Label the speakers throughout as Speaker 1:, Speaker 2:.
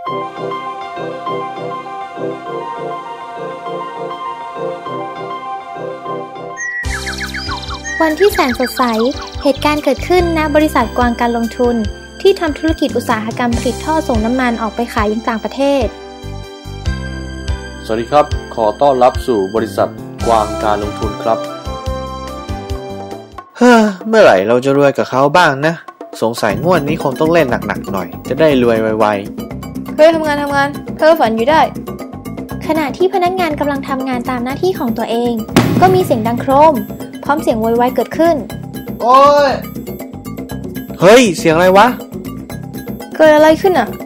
Speaker 1: วันที่แสนสดใสเหตุการณ์เกิดขึ้นณบริษัทกวางการลงทุนที่ทำธุรกิจอุตสาหกรรมผลิตท่อส่งน้ำมันออกไปขายยังต่างประเทศ
Speaker 2: สวัสดีครับขอต้อนรับสู่บริษัทกวางการลงทุนครับ
Speaker 3: เมื่อไหร่เราจะรวยกับเขาบ้างนะสงสัยงวดนี้คงต้องเล่นหนักๆหน่อยจะได้รวยไว
Speaker 1: ๆเฮ้ยทำงานเธอฝันอยู่ได้ขณะที่พนักงานกำลังทำงานตามหน้าที่ของตัวเองก็มีเสียงดังโครมพร้อมเสียงโวยวายเกิดขึ้น
Speaker 3: โอ้ยเฮ้ยเสียงอะไรวะ
Speaker 1: เกิดอะไรขึ้นอ่ะ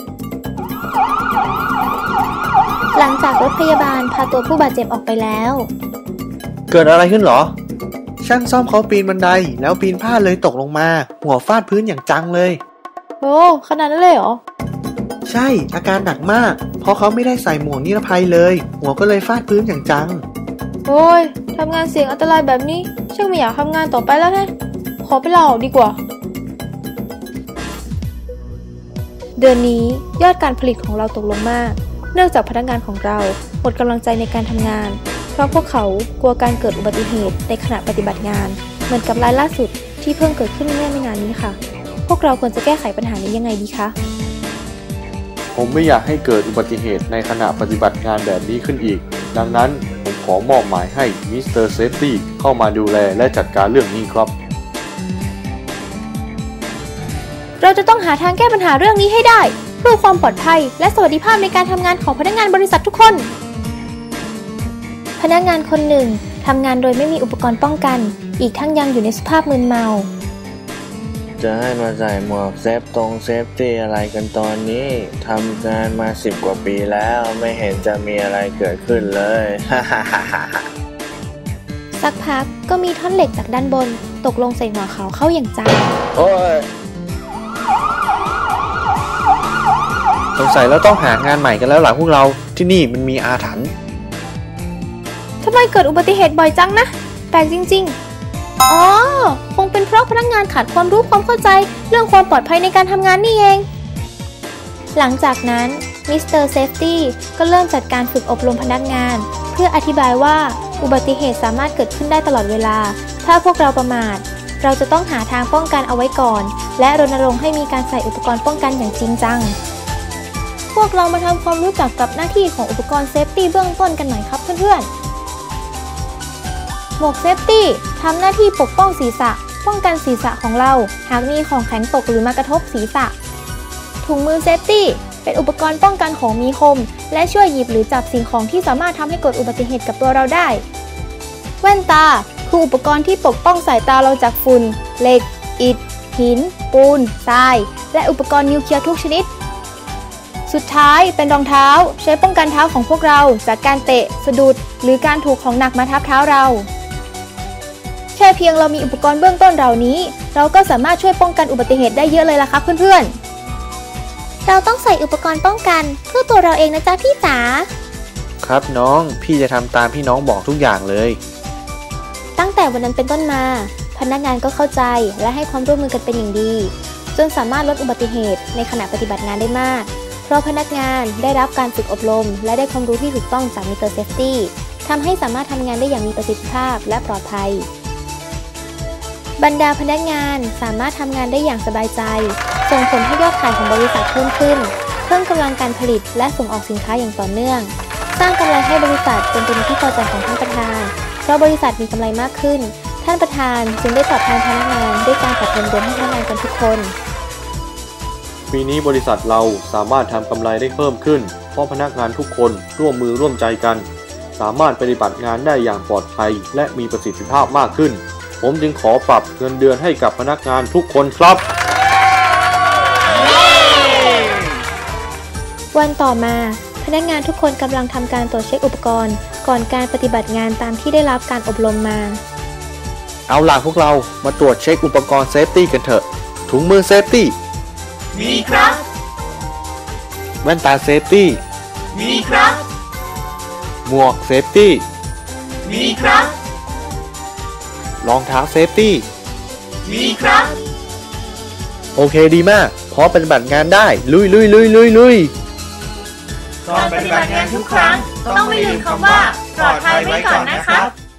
Speaker 1: หลังจากรถพยาบาลพาตัวผู้บาดเจ็บออกไปแล้ว
Speaker 3: เกิดอะไรขึ้นหรอช่างซ่อมเขาปีนบันไดแล้วปีนพลาดเลยตกลงมาหัวฟาดพื้นอย่างจังเลย
Speaker 1: โอ้ขนาดนั้นเลยเหรอ
Speaker 3: ใช่อาการหนักมากเพราะเขาไม่ได้ใส่หมวกนิรภัยเลยหัวก็เลยฟาดพื้นอย่างจัง
Speaker 1: โอ้ยทำงานเสี่ยงอันตรายแบบนี้ช่างไม่อยากทำงานต่อไปแล้วนะขอไปลาออกดีกว่าเดือนนี้ยอดการผลิตของเราตกลงมากเนื่องจากพนักงานของเราหมดกำลังใจในการทำงานเพราะพวกเขากลัวการเกิดอุบัติเหตุในขณะปฏิบัติงานเหมือนกับรายล่าสุดที่เพิ่งเกิดขึ้นเมื่อไม่นานนี้ค่ะพวกเราควรจะแก้ไขปัญหานี้ยังไงดีคะ
Speaker 2: ผมไม่อยากให้เกิดอุบัติเหตุในขณะปฏิบัติงานแบบนี้ขึ้นอีกดังนั้นผมขอมอบหมายให้มิสเตอร์เซฟตี้เข้ามาดูแลและจัดการเรื่องนี้ครับ
Speaker 1: เราจะต้องหาทางแก้ปัญหาเรื่องนี้ให้ได้เพื่อความปลอดภัยและสวัสดิภาพในการทำงานของพนักงานบริษัททุกคนพนักงานคนหนึ่งทำงานโดยไม่มีอุปกรณ์ป้องกันอีกทั้งยังอยู่ในสภาพมึนเมา
Speaker 3: จะให้มาใส่หมวกเซฟตี้อะไรกันตอนนี้ทำงานมา10 กว่าปีแล้วไม่เห็นจะมีอะไรเกิดขึ้นเลย
Speaker 1: สักพักก็มีท่อนเหล็กจากด้านบนตกลงใส่หัวเขาเข้าอย่างจัง
Speaker 3: โอ้ยสงสัยเราต้องหางานใหม่กันแล้วหล่ะพวกเราที่นี่มันมีอาถรรพ์
Speaker 1: ทำไมเกิดอุบัติเหตุบ่อยจังนะแปลกจริงๆอ๋อคงเป็นเพราะพนักงานขาดความรู้ความเข้าใจเรื่องความปลอดภัยในการทำงานนี่เองหลังจากนั้นมิสเตอร์เซฟตี้ก็เริ่มจัดการฝึกอบรมพนักงานเพื่ออธิบายว่าอุบัติเหตุสามารถเกิดขึ้นได้ตลอดเวลาถ้าพวกเราประมาทเราจะต้องหาทางป้องกันเอาไว้ก่อนและรณรงค์ให้มีการใส่อุปกรณ์ป้องกันอย่างจริงจังพวกเรามาทำความรู้จักกับหน้าที่ของอุปกรณ์เซฟตี้เบื้องต้นกันหน่อยครับเพื่อนๆหมวกเซฟตี้ทำหน้าที่ปกป้องศีรษะป้องกันศีรษะของเราหากมีของแข็งตกหรือมากระทบศีรษะถุงมือเซฟตี้เป็นอุปกรณ์ป้องกันของมีคมและช่วยหยิบหรือจับสิ่งของที่สามารถทำให้เกิดอุบัติเหตุกับตัวเราได้แว่นตาคืออุปกรณ์ที่ปกป้องสายตาเราจากฝุ่นเหล็กอิฐหินปูนทรายและอุปกรณ์นิวเคลียร์ทุกชนิดสุดท้ายเป็นรองเท้าใช้ป้องกันเท้าของพวกเราจากการเตะสะดุดหรือการถูกของหนักมาทับเท้าเราแค่เพียงเรามีอุปกรณ์เบื้องต้นเหล่านี้เราก็สามารถช่วยป้องกันอุบัติเหตุได้เยอะเลยล่ะครับเพื่อนๆเราต้องใส่อุปกรณ์ป้องกันเพื่อตัวเราเองนะจ๊ะพี่จ๋า
Speaker 3: ครับน้องพี่จะทำตามที่น้องบอกทุกอย่างเลย
Speaker 1: ตั้งแต่วันนั้นเป็นต้นมาพนักงานก็เข้าใจและให้ความร่วมมือกันเป็นอย่างดีจนสามารถลดอุบัติเหตุในขณะปฏิบัติงานได้มากเพราะพนักงานได้รับการฝึกอบรมและได้ความรู้ที่ถูกต้องจากมิสเตอร์เซฟตี้ทำให้สามารถทำงานได้อย่างมีประสิทธิภาพและปลอดภัยบรรดาพนักงานสามารถทำงานได้อย่างสบายใจส่งผลให้ยอดขายของบริษัทเพิ่มขึ้นเพิ่มกำลังการผลิตและส่งออกสินค้าอย่างต่อเนื่องสร้างกำไรให้บริษัทจนเป็นที่พอใจของท่านประธานเพราะบริษัทมีกำไรมากขึ้นท่านประธานจึงได้ตอบแทนพนักงานด้วยการปรับเงินเดือนให้พนักงานกันทุกคน
Speaker 2: ปีนี้บริษัทเราสามารถทำกำไรได้เพิ่มขึ้นเพราะพนักงานทุกคนร่วมมือร่วมใจกันสามารถปฏิบัติงานได้อย่างปลอดภัยและมีประสิทธิภาพมากขึ้นผมจึงขอปรับเงินเดือนให้กับพนักงานทุกคนครับ
Speaker 1: วันต่อมาพนักงานทุกคนกำลังทำการตรวจเช็คอุปกรณ์ก่อนการปฏิบัติงานตามที่ได้รับการอบรมมา
Speaker 3: เอาล่ะพวกเรามาตรวจเช็คอุปกรณ์เซฟตี้กันเถอะถุงมือเซฟตี้
Speaker 4: มีครับ
Speaker 3: แว่นตาเซฟตี้
Speaker 4: มีครับ
Speaker 3: หมวกเซฟตี้
Speaker 4: มีครับ
Speaker 3: รองเท้าเซฟตี้
Speaker 4: มีครับ
Speaker 3: โอเคดีมากพร้อมปฏิบัติงานได้ลุย
Speaker 4: ก่อนปฏิบัติงานทุกครั้งต้องไม่ลืมคำว่าปลอดภัยไว้ก่อนนะครับ